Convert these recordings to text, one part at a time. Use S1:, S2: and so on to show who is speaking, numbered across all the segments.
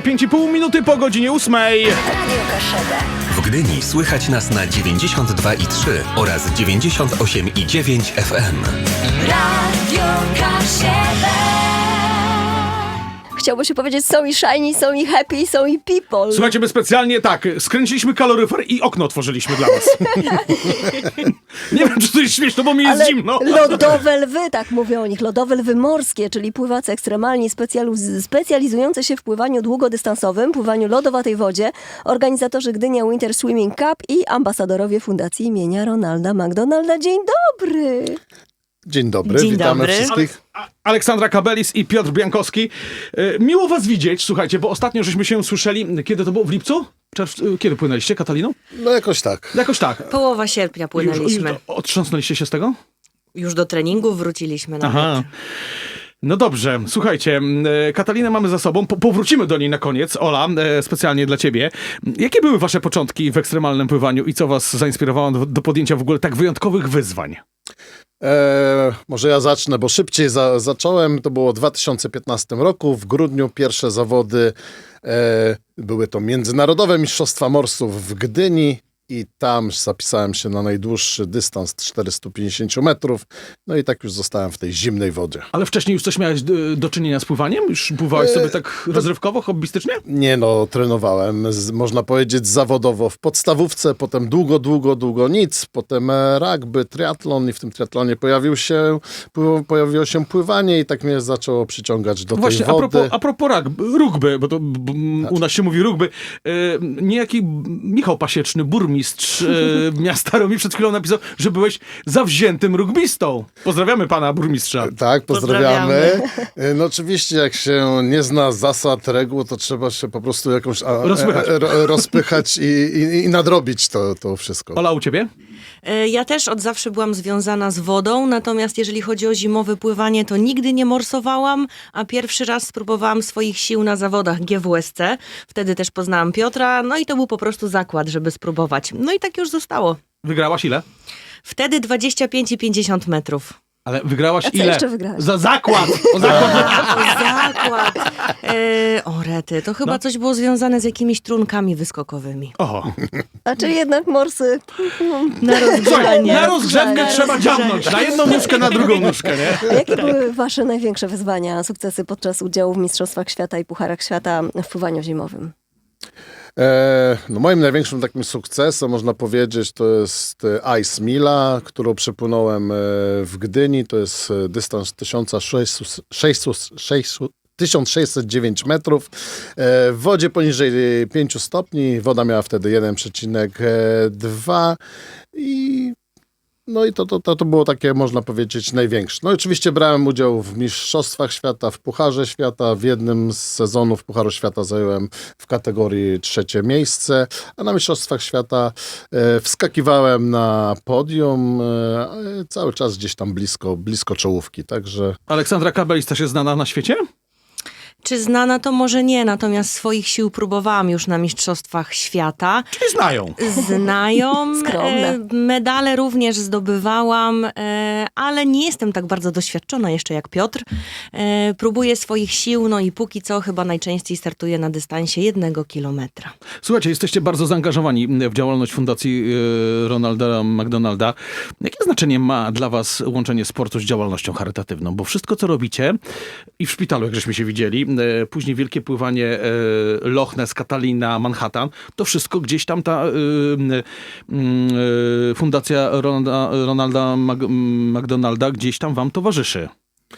S1: 5,5 minuty po godzinie 8.
S2: Radio Kaszebę.
S3: W Gdyni słychać nas na 92,3 oraz 98,9 FM.
S2: Radio Kaszebę.
S4: Chciałby się powiedzieć, są i shiny, są i happy, są i people.
S1: Słuchajcie, my specjalnie tak, skręciliśmy kaloryfer i okno otworzyliśmy dla was. Nie wiem, czy to jest śmieszne, bo mi jest
S4: Ale
S1: zimno.
S4: lodowe lwy, tak mówią o nich, lodowe lwy morskie, czyli pływacy ekstremalni specjalizujący się w pływaniu długodystansowym, pływaniu lodowatej wodzie, organizatorzy Gdynia Winter Swimming Cup i ambasadorowie Fundacji imienia Ronalda McDonalda. Dzień dobry!
S5: Dzień dobry,
S6: Dzień
S5: witamy
S6: dobry.
S5: wszystkich.
S1: Aleksandra Kabelis i Piotr Biankowski. Miło was widzieć, słuchajcie, bo ostatnio żeśmy się słyszeli, kiedy to było? W lipcu? Kiedy płynęliście, Kataliną?
S5: No jakoś tak.
S1: Jakoś tak.
S6: Połowa sierpnia płynęliśmy.
S1: Już otrząsnęliście się z tego?
S6: Już do treningu wróciliśmy nawet.
S1: Aha. No dobrze, słuchajcie, Katalinę mamy za sobą, powrócimy do niej na koniec. Ola, specjalnie dla ciebie. Jakie były wasze początki w ekstremalnym pływaniu i co was zainspirowało do podjęcia w ogóle tak wyjątkowych wyzwań?
S5: Może ja zacznę, bo szybciej zacząłem. To było w 2015 roku. W grudniu pierwsze zawody były to Międzynarodowe Mistrzostwa Morsów w Gdyni. I tam zapisałem się na najdłuższy dystans 450 metrów. No i tak już zostałem w tej zimnej wodzie.
S1: Ale wcześniej już coś miałeś do czynienia z pływaniem? Już pływałeś sobie tak rozrywkowo, hobbystycznie?
S5: Nie no, trenowałem, można powiedzieć zawodowo w podstawówce, potem długo nic, potem rugby, triatlon i w tym triatlonie pojawiło się pływanie i tak mnie zaczęło przyciągać do
S1: Właśnie,
S5: tej wody.
S1: a propos rugby, bo to u nas się mówi rugby, niejaki Michał Pasieczny, burmistrz miasta mi przed chwilą napisał, że byłeś zawziętym rugbistą. Pozdrawiamy pana burmistrza.
S5: Tak, pozdrawiamy. No oczywiście, jak się nie zna zasad, reguł, to trzeba się po prostu jakąś rozpychać i nadrobić to wszystko.
S1: Ola, u ciebie?
S6: Ja też od zawsze byłam związana z wodą, natomiast jeżeli chodzi o zimowe pływanie, to nigdy nie morsowałam, a pierwszy raz spróbowałam swoich sił na zawodach GWSC. Wtedy też poznałam Piotra, no i to był po prostu zakład, żeby spróbować. No i tak już zostało.
S1: Wygrałaś ile?
S6: Wtedy 25 i 50 metrów.
S1: Ale wygrałaś
S4: A co
S1: ile?
S4: jeszcze wygrałaś?
S1: Za zakład! O zakład!
S6: Zakład. O rety, to chyba coś było związane z jakimiś trunkami wyskokowymi.
S1: Oho.
S4: A czyli jednak morsy
S6: Na
S1: Słuchaj,
S6: rozgrzanie.
S1: na rozgrzewkę trzeba dziabnąć. Na jedną nóżkę, na drugą nóżkę, nie?
S4: A jakie były wasze największe wyzwania, sukcesy podczas udziału w Mistrzostwach Świata i Pucharach Świata w pływaniu zimowym?
S5: No moim największym takim sukcesem, można powiedzieć, to jest Ice Mila, którą przepłynąłem w Gdyni. To jest dystans 1609 metrów. W wodzie poniżej 5 stopni. Woda miała wtedy 1,2 i no i to było takie, można powiedzieć, największe. No i oczywiście brałem udział w Mistrzostwach Świata, w Pucharze Świata. W jednym z sezonów Pucharu Świata zająłem w kategorii 3. miejsce, a na Mistrzostwach Świata wskakiwałem na podium, cały czas gdzieś tam blisko czołówki, także...
S1: Aleksandra Kabelis też jest znana na świecie?
S6: Czy znana to może nie, natomiast swoich sił próbowałam już na Mistrzostwach Świata.
S1: Czyli znają.
S6: Znają,
S4: Skromne.
S6: medale również zdobywałam, ale nie jestem tak bardzo doświadczona jeszcze jak Piotr. Próbuję swoich sił, no i póki co chyba najczęściej startuję na dystansie 1 kilometra.
S1: Słuchajcie, jesteście bardzo zaangażowani w działalność Fundacji Ronalda McDonalda. Jakie znaczenie ma dla was łączenie sportu z działalnością charytatywną? Bo wszystko, co robicie i w szpitalu, jak żeśmy się widzieli, później wielkie pływanie Loch Ness, Catalina, Manhattan, to wszystko gdzieś tam ta Fundacja Ronalda McDonalda gdzieś tam wam towarzyszy.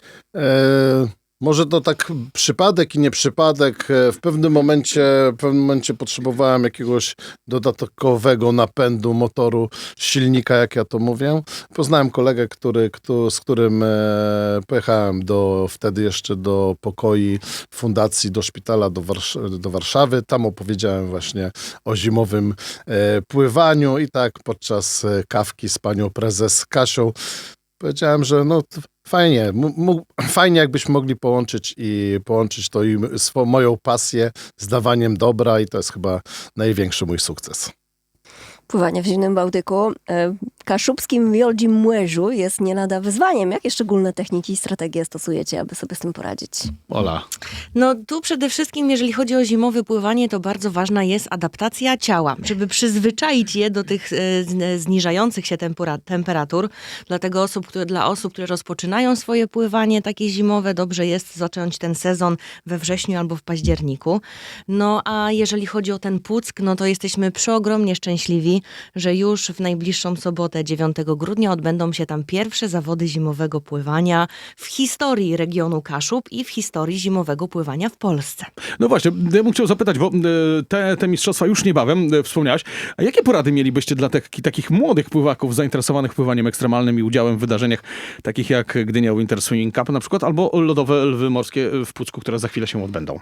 S5: Może to tak przypadek i nie przypadek. W pewnym momencie potrzebowałem jakiegoś dodatkowego napędu motoru, silnika, jak ja to mówię. Poznałem kolegę, z którym pojechałem wtedy jeszcze do pokoi fundacji, do szpitala do Warszawy. Tam opowiedziałem właśnie o zimowym pływaniu i tak podczas kawki z panią prezes Kasią powiedziałem, że no fajnie jakbyśmy mogli połączyć to i moją pasję z dawaniem dobra i to jest chyba największy mój sukces.
S4: Pływanie w zimnym Bałtyku. kaszubskim Wioldzi Młeżu jest nie lada wyzwaniem. Jakie szczególne techniki i strategie stosujecie, aby sobie z tym poradzić?
S1: Ola.
S6: No tu przede wszystkim, jeżeli chodzi o zimowe pływanie, to bardzo ważna jest adaptacja ciała, żeby przyzwyczaić je do tych zniżających się temperatur. Dlatego dla osób, które rozpoczynają swoje pływanie takie zimowe, dobrze jest zacząć ten sezon we wrześniu albo w październiku. No a jeżeli chodzi o ten Puck, no to jesteśmy przeogromnie szczęśliwi, że już w najbliższą sobotę 9 grudnia odbędą się tam pierwsze zawody zimowego pływania w historii regionu Kaszub i w historii zimowego pływania w Polsce.
S1: No właśnie, ja bym chciał zapytać, bo te mistrzostwa już niebawem, wspomniałaś, a jakie porady mielibyście dla takich młodych pływaków zainteresowanych pływaniem ekstremalnym i udziałem w wydarzeniach takich jak Gdynia Winter Swimming Cup na przykład, albo lodowe lwy morskie w Pucku, które za chwilę się odbędą?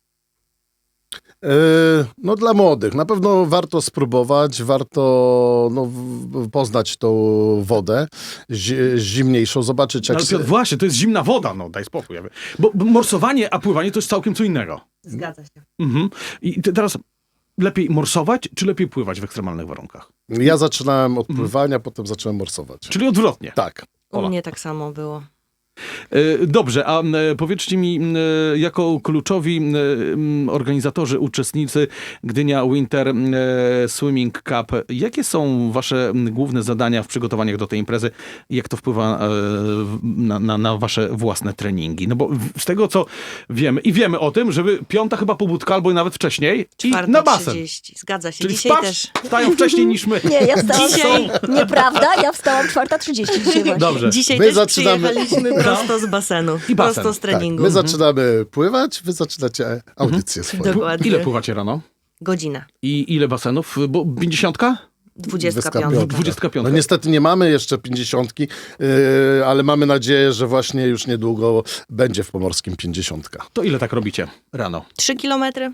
S5: No dla młodych na pewno warto spróbować, warto poznać tą wodę zimniejszą, zobaczyć jak...
S1: Ale Piotr, właśnie, to jest zimna woda, no daj spokój. Bo morsowanie, a pływanie to jest całkiem co innego.
S6: Zgadza się.
S1: Mhm. I teraz lepiej morsować, czy lepiej pływać w ekstremalnych warunkach?
S5: Ja zaczynałem od pływania, potem zacząłem morsować.
S1: Czyli odwrotnie.
S5: Tak.
S6: U mnie tak samo było.
S1: Dobrze, a powiedzcie mi, jako kluczowi organizatorzy, uczestnicy Gdynia Winter Swimming Cup, jakie są wasze główne zadania w przygotowaniach do tej imprezy? Jak to wpływa na wasze własne treningi? No bo z tego, co wiemy o tym, żeby 5 chyba pobudka, albo nawet wcześniej i na basen.
S6: 4:30. Zgadza się.
S1: Czyli
S6: Dzisiaj
S1: spać,
S6: też.
S1: wstają wcześniej niż my.
S4: Nie, ja wstałam...
S6: Dzisiaj-
S4: Nieprawda, ja wstałam 4:30 dzisiaj właśnie.
S1: Dobrze.
S6: Dzisiaj
S5: My
S6: też
S5: zaczynamy-
S6: przyjechaliśmy prosto z basenu.
S1: I basen.
S6: Prosto z
S5: Tak,
S6: treningu.
S5: my zaczynamy pływać, wy zaczynacie audycję swoją.
S6: Dokładnie.
S1: Ile pływacie rano?
S6: Godzinę.
S1: I ile basenów? Bo 50?
S6: 25.
S1: 25.
S5: No niestety nie mamy jeszcze 50, ale mamy nadzieję, że właśnie już niedługo będzie w Pomorskim 50.
S1: To ile tak robicie rano?
S6: 3 kilometry.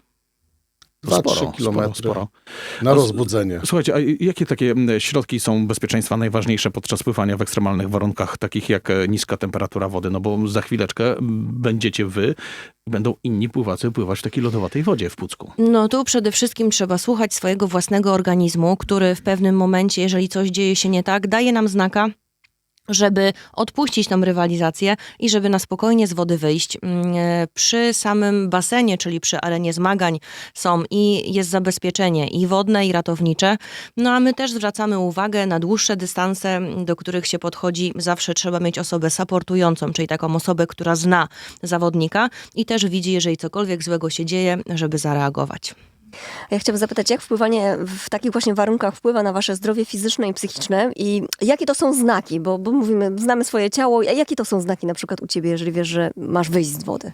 S5: 2-3 kilometry
S1: Sporo.
S5: na rozbudzenie.
S1: Słuchajcie, a jakie takie środki są bezpieczeństwa najważniejsze podczas pływania w ekstremalnych warunkach, takich jak niska temperatura wody? No bo za chwileczkę będziecie wy, będą inni pływacy pływać w takiej lodowatej wodzie w Pucku.
S6: No tu przede wszystkim trzeba słuchać swojego własnego organizmu, który w pewnym momencie, jeżeli coś dzieje się nie tak, daje nam znaka, żeby odpuścić tą rywalizację i żeby na spokojnie z wody wyjść. Przy samym basenie, czyli przy arenie zmagań jest zabezpieczenie i wodne, i ratownicze. No a my też zwracamy uwagę na dłuższe dystanse, do których się podchodzi. Zawsze trzeba mieć osobę supportującą, czyli taką osobę, która zna zawodnika i też widzi, jeżeli cokolwiek złego się dzieje, żeby zareagować.
S4: Ja chciałabym zapytać, jak wpływanie w takich właśnie warunkach wpływa na wasze zdrowie fizyczne i psychiczne i jakie to są znaki? Bo mówimy, znamy swoje ciało, a jakie to są znaki na przykład u ciebie, jeżeli wiesz, że masz wyjść z wody?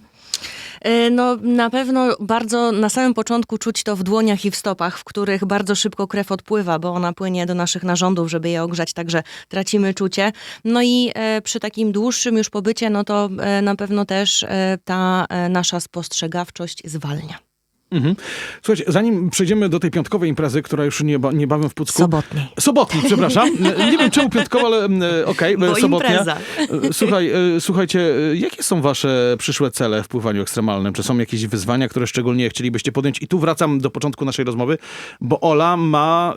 S6: No na pewno bardzo na samym początku czuć to w dłoniach i w stopach, w których bardzo szybko krew odpływa, bo ona płynie do naszych narządów, żeby je ogrzać, także tracimy czucie. No i przy takim dłuższym już pobycie, no to na pewno też ta nasza spostrzegawczość zwalnia.
S1: Mhm. Słuchajcie, zanim przejdziemy do tej piątkowej imprezy, która już niebawem w Pucku... Sobotniej, przepraszam. Nie wiem czemu piątkowa, ale okej,
S6: Bo
S1: sobotnia.
S6: impreza.
S1: Słuchajcie, jakie są wasze przyszłe cele w pływaniu ekstremalnym? Czy są jakieś wyzwania, które szczególnie chcielibyście podjąć? I tu wracam do początku naszej rozmowy, bo Ola ma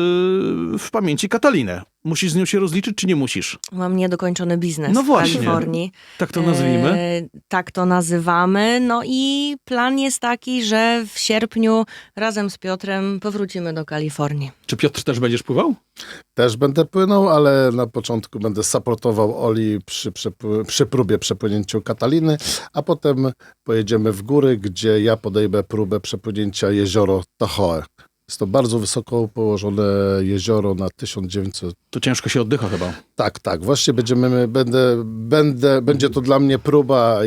S1: w pamięci Katalinę. Musisz z nią się rozliczyć, czy nie musisz?
S6: Mam niedokończony biznes
S1: No właśnie.
S6: w Kalifornii.
S1: Tak to nazwijmy.
S6: Tak to nazywamy. No i plan jest taki, że w sierpniu razem z Piotrem powrócimy do Kalifornii.
S1: Czy Piotr też będziesz pływał?
S5: Też będę płynął, ale na początku będę supportował Oli przy próbie przepłynięcia Kataliny, a potem pojedziemy w góry, gdzie ja podejmę próbę przepłynięcia jezioro Tahoe. Jest to bardzo wysoko położone jezioro na 1900.
S1: To ciężko się oddycha chyba.
S5: Tak. Właśnie będzie to dla mnie próba,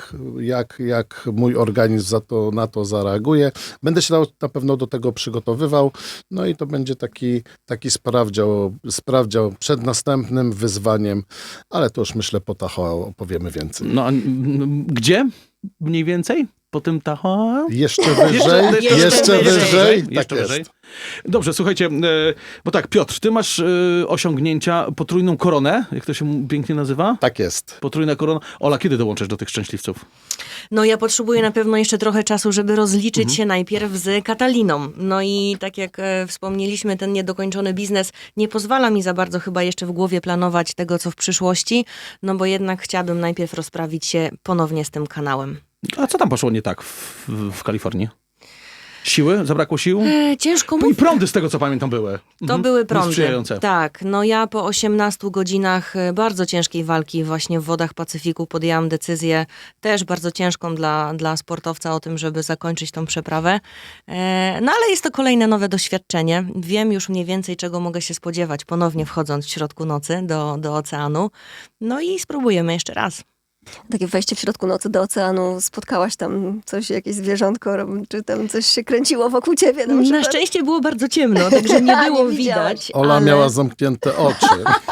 S5: jak mój organizm na to zareaguje. Będę się na pewno do tego przygotowywał. No i to będzie taki sprawdział przed następnym wyzwaniem, ale to już myślę po Tahoe opowiemy więcej.
S1: No a gdzie mniej więcej? potem ta...
S5: Jeszcze wyżej, jeszcze wyżej. Tak
S1: Jeszcze
S5: jest.
S1: wyżej. Dobrze, słuchajcie, bo tak, Piotr, ty masz osiągnięcia, potrójną koronę, jak to się pięknie nazywa?
S5: Tak jest.
S1: Potrójna korona. Ola, kiedy dołączysz do tych szczęśliwców?
S6: No ja potrzebuję na pewno jeszcze trochę czasu, żeby rozliczyć się najpierw z Kataliną. No i tak jak wspomnieliśmy, ten niedokończony biznes nie pozwala mi za bardzo chyba jeszcze w głowie planować tego, co w przyszłości, no bo jednak chciałabym najpierw rozprawić się ponownie z tym kanałem.
S1: A co tam poszło nie tak w Kalifornii? Siły? Zabrakło sił?
S6: Ciężko
S1: I
S6: mówić.
S1: prądy z tego, co pamiętam, były.
S6: To były prądy.
S1: Niesprzyjające.
S6: Tak, no ja po 18 godzinach bardzo ciężkiej walki właśnie w wodach Pacyfiku podjęłam decyzję, też bardzo ciężką dla sportowca o tym, żeby zakończyć tą przeprawę. No ale jest to kolejne nowe doświadczenie. Wiem już mniej więcej, czego mogę się spodziewać, ponownie wchodząc w środku nocy do oceanu. No i spróbujemy jeszcze raz.
S4: Takie wejście w środku nocy do oceanu, spotkałaś tam coś, jakieś zwierzątko, czy tam coś się kręciło wokół ciebie? Na
S6: Na
S4: przykład?
S6: szczęście było bardzo ciemno, także nie było
S4: Nie widziałaś.
S6: widać.
S5: Ola
S6: ale,
S5: miała zamknięte oczy.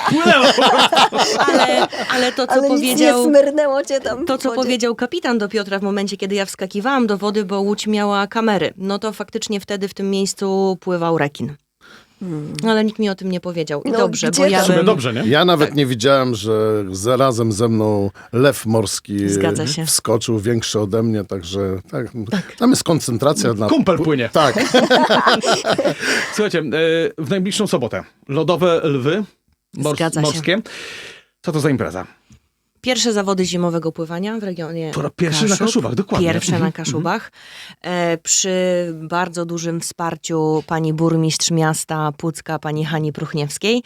S6: ale to, co
S4: Ale nic
S6: powiedział...
S4: nie smyrnęło cię tam
S6: To,
S4: w
S6: co
S4: wodzie.
S6: powiedział kapitan do Piotra w momencie, kiedy ja wskakiwałam do wody, bo łódź miała kamery, no to faktycznie wtedy w tym miejscu pływał rekin. Ale nikt mi o tym nie powiedział. I
S4: No,
S6: dobrze,
S4: gdzie
S6: bo ja
S4: tam?
S1: W sumie
S6: bym...
S1: dobrze, nie?
S5: Ja nawet nie widziałem, że zarazem ze mną lew morski
S6: Zgadza się.
S5: wskoczył, większy ode mnie, także tak. Tam jest koncentracja dla...
S1: Kumpel płynie.
S5: Tak.
S1: Słuchajcie, w najbliższą sobotę lodowe lwy
S6: Zgadza się.
S1: morskie. Co to za impreza?
S6: Pierwsze zawody zimowego pływania w regionie
S1: Po raz pierwszy na Kaszubach, dokładnie.
S6: Pierwsze na Kaszubach. Przy bardzo dużym wsparciu pani burmistrz miasta Pucka, pani Hani Pruchniewskiej.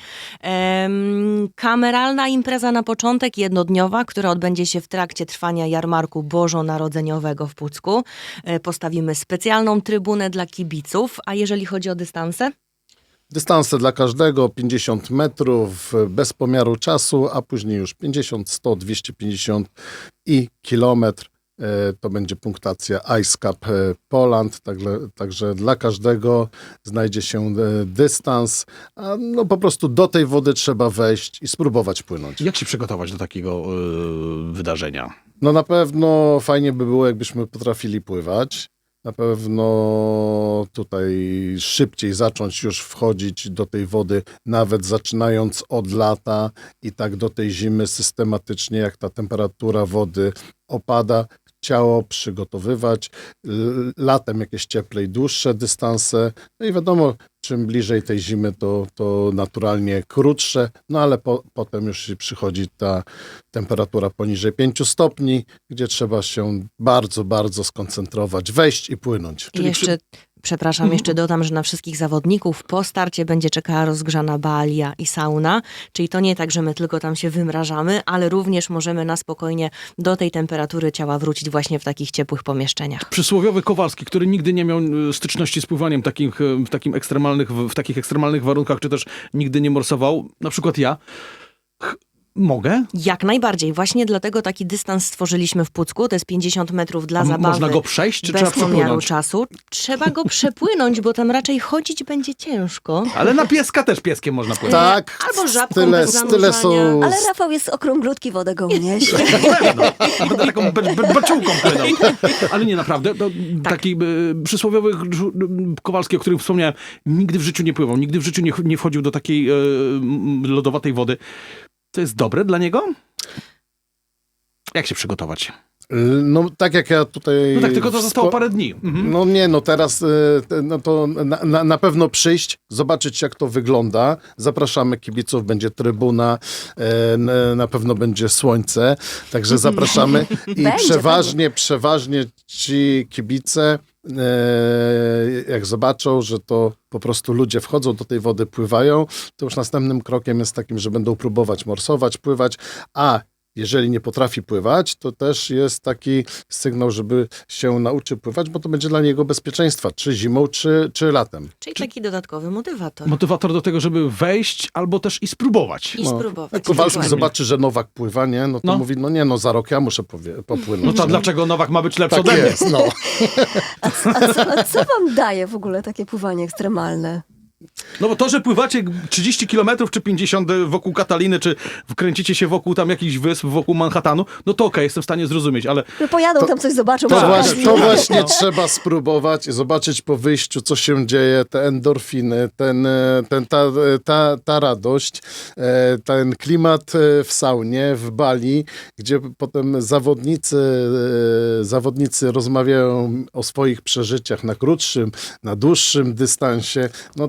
S6: Kameralna impreza na początek, jednodniowa, która odbędzie się w trakcie trwania jarmarku bożonarodzeniowego w Pucku. Postawimy specjalną trybunę dla kibiców, a jeżeli chodzi o dystanse?
S5: Dystanse dla każdego, 50 metrów, bez pomiaru czasu, a później już 50, 100, 250 i kilometr. To będzie punktacja Ice Cup Poland, także dla każdego znajdzie się dystans. A no po prostu do tej wody trzeba wejść i spróbować płynąć.
S1: Jak się przygotować do takiego wydarzenia?
S5: No na pewno fajnie by było, jakbyśmy potrafili pływać. Na pewno tutaj szybciej zacząć już wchodzić do tej wody, nawet zaczynając od lata i tak do tej zimy systematycznie, jak ta temperatura wody opada, ciało przygotowywać. Latem jakieś cieplej, dłuższe dystanse. No i wiadomo, czym bliżej tej zimy, to naturalnie krótsze, no ale potem już przychodzi ta temperatura poniżej 5 stopni, gdzie trzeba się bardzo, bardzo skoncentrować, wejść i płynąć.
S6: Jeszcze dodam, że na wszystkich zawodników po starcie będzie czekała rozgrzana balia i sauna, czyli to nie tak, że my tylko tam się wymrażamy, ale również możemy na spokojnie do tej temperatury ciała wrócić właśnie w takich ciepłych pomieszczeniach.
S1: Przysłowiowy Kowalski, który nigdy nie miał styczności z pływaniem w takich ekstremalnych warunkach, czy też nigdy nie morsował, na przykład ja, mogę?
S6: Jak najbardziej. Właśnie dlatego taki dystans stworzyliśmy w Pucku. To jest 50 metrów dla zabawy.
S1: Można go przejść, czy
S6: bez
S1: trzeba
S6: pomiaru
S1: przepłynąć?
S6: czasu. Trzeba go przepłynąć, bo tam raczej chodzić będzie ciężko.
S1: Ale na pieska też pieskiem można płynąć.
S5: Tak,
S6: Albo żabką
S5: style,
S6: bez
S5: style są...
S6: zanurzania.
S4: Ale Rafał jest okrąglutki, wodę go uniesie.
S1: A będę taką baczułką płynął. Ale nie, naprawdę. To taki przysłowiowy Kowalski, o którym wspomniałem, nigdy w życiu nie pływał, nigdy w życiu nie wchodził do takiej lodowatej wody. To jest dobre dla niego? Jak się przygotować?
S5: No tak jak ja tutaj...
S1: No tak, tylko to zostało parę dni. Mhm.
S5: No nie, no teraz no to na pewno przyjść, zobaczyć jak to wygląda. Zapraszamy kibiców, będzie trybuna, na pewno będzie słońce, także zapraszamy i
S4: Będzie,
S5: przeważnie ci kibice jak zobaczą, że to po prostu ludzie wchodzą do tej wody, pływają, to już następnym krokiem jest takim, że będą próbować morsować, pływać, a jeżeli nie potrafi pływać, to też jest taki sygnał, żeby się nauczył pływać, bo to będzie dla niego bezpieczeństwa, czy zimą, czy latem.
S6: Czyli taki dodatkowy motywator.
S1: Motywator do tego, żeby wejść albo też i spróbować.
S6: I spróbować.
S5: Jak Kowalski
S6: Dokładnie.
S5: zobaczy, że Nowak pływa, nie? No to
S1: No.
S5: mówi, za rok ja muszę popłynąć.
S1: No to
S5: nie?
S1: dlaczego Nowak ma być lepszy
S5: Tak
S1: ode mnie?
S5: jest, no.
S4: A co wam daje w ogóle takie pływanie ekstremalne?
S1: No bo to, że pływacie 30 kilometrów czy 50 wokół Kataliny, czy wkręcicie się wokół tam jakichś wysp, wokół Manhattanu, no to okej, jestem w stanie zrozumieć, ale
S4: No pojadą tam coś zobaczą.
S5: To,
S4: przy
S5: właśnie,
S4: okazji.
S5: to właśnie trzeba spróbować i zobaczyć po wyjściu, co się dzieje, te endorfiny, ta radość, ten klimat w saunie, w Bali, gdzie potem zawodnicy rozmawiają o swoich przeżyciach na krótszym, na dłuższym dystansie.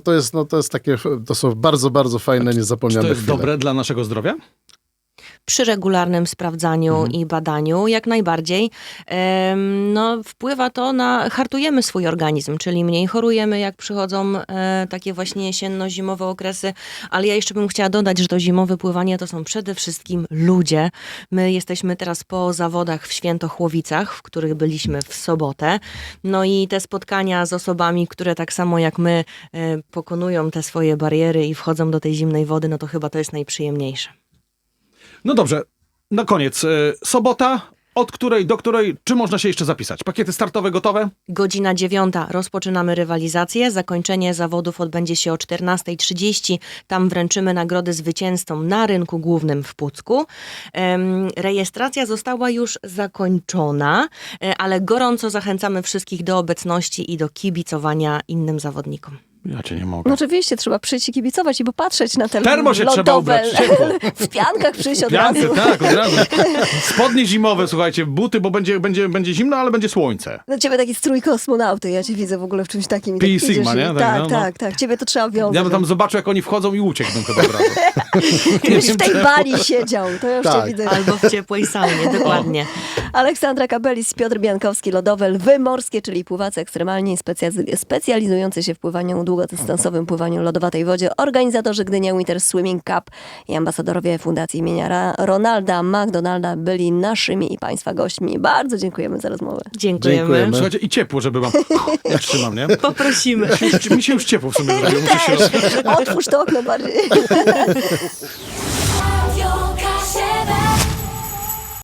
S5: To są bardzo, bardzo fajne,
S1: czy
S5: niezapomniane
S1: to jest
S5: chwile.
S1: dobre dla naszego zdrowia?
S6: Przy regularnym sprawdzaniu i badaniu jak najbardziej. No, wpływa to hartujemy swój organizm, czyli mniej chorujemy, jak przychodzą takie właśnie jesienno-zimowe okresy, ale ja jeszcze bym chciała dodać, że to zimowe pływanie to są przede wszystkim ludzie. My jesteśmy teraz po zawodach w Świętochłowicach, w których byliśmy w sobotę. No i te spotkania z osobami, które tak samo jak my pokonują te swoje bariery i wchodzą do tej zimnej wody, no to chyba to jest najprzyjemniejsze.
S1: No dobrze, na koniec. Sobota, od której do której, czy można się jeszcze zapisać? Pakiety startowe gotowe?
S6: Godzina 9. Rozpoczynamy rywalizację. Zakończenie zawodów odbędzie się o 14:30. Tam wręczymy nagrody zwycięzcom na rynku głównym w Pucku. Rejestracja została już zakończona, ale gorąco zachęcamy wszystkich do obecności i do kibicowania innym zawodnikom.
S1: Ja cię nie mogę.
S4: No oczywiście, trzeba przyjść i kibicować i popatrzeć na te
S1: Termo się trzeba
S4: lodowe.
S1: ubrać, ciepło.
S4: W piankach przyjść od
S1: Piankę,
S4: razu.
S1: tak, od razu. Spodnie zimowe, słuchajcie, buty, bo będzie zimno, ale będzie słońce.
S4: No ciebie taki strój kosmonauty, ja cię widzę w ogóle w czymś takim. I
S1: Pi
S4: tak idziesz
S1: Sigma,
S4: i-
S1: nie? Tak,
S4: Tak,
S1: no,
S4: tak, tak. Ciebie to trzeba wiązać.
S1: Ja bym tam zobaczył, jak oni wchodzą i ucieknę chyba od razu.
S4: Gdybyś w tej Bali siedział, to ja już
S5: Tak.
S4: cię widzę.
S6: Albo w ciepłej saunie, dokładnie.
S4: Aleksandra Kabelis, Piotr Biankowski, lodowe lwy morskie, czyli pływacy ekstremalni specjalizujący się w pływaniu długodystansowym, pływaniu lodowatej wodzie, organizatorzy Gdynia Winter Swimming Cup i ambasadorowie Fundacji imienia Ronalda McDonalda byli naszymi i Państwa gośćmi. Bardzo dziękujemy za rozmowę.
S6: Dziękujemy.
S5: Dziękujemy.
S1: Słuchajcie, i ciepło, żeby wam... Ja trzymam, nie?
S6: Poprosimy.
S1: Mi się już ciepło w sumie zrobiło. Muszę się
S4: Otwórz to okno bardziej.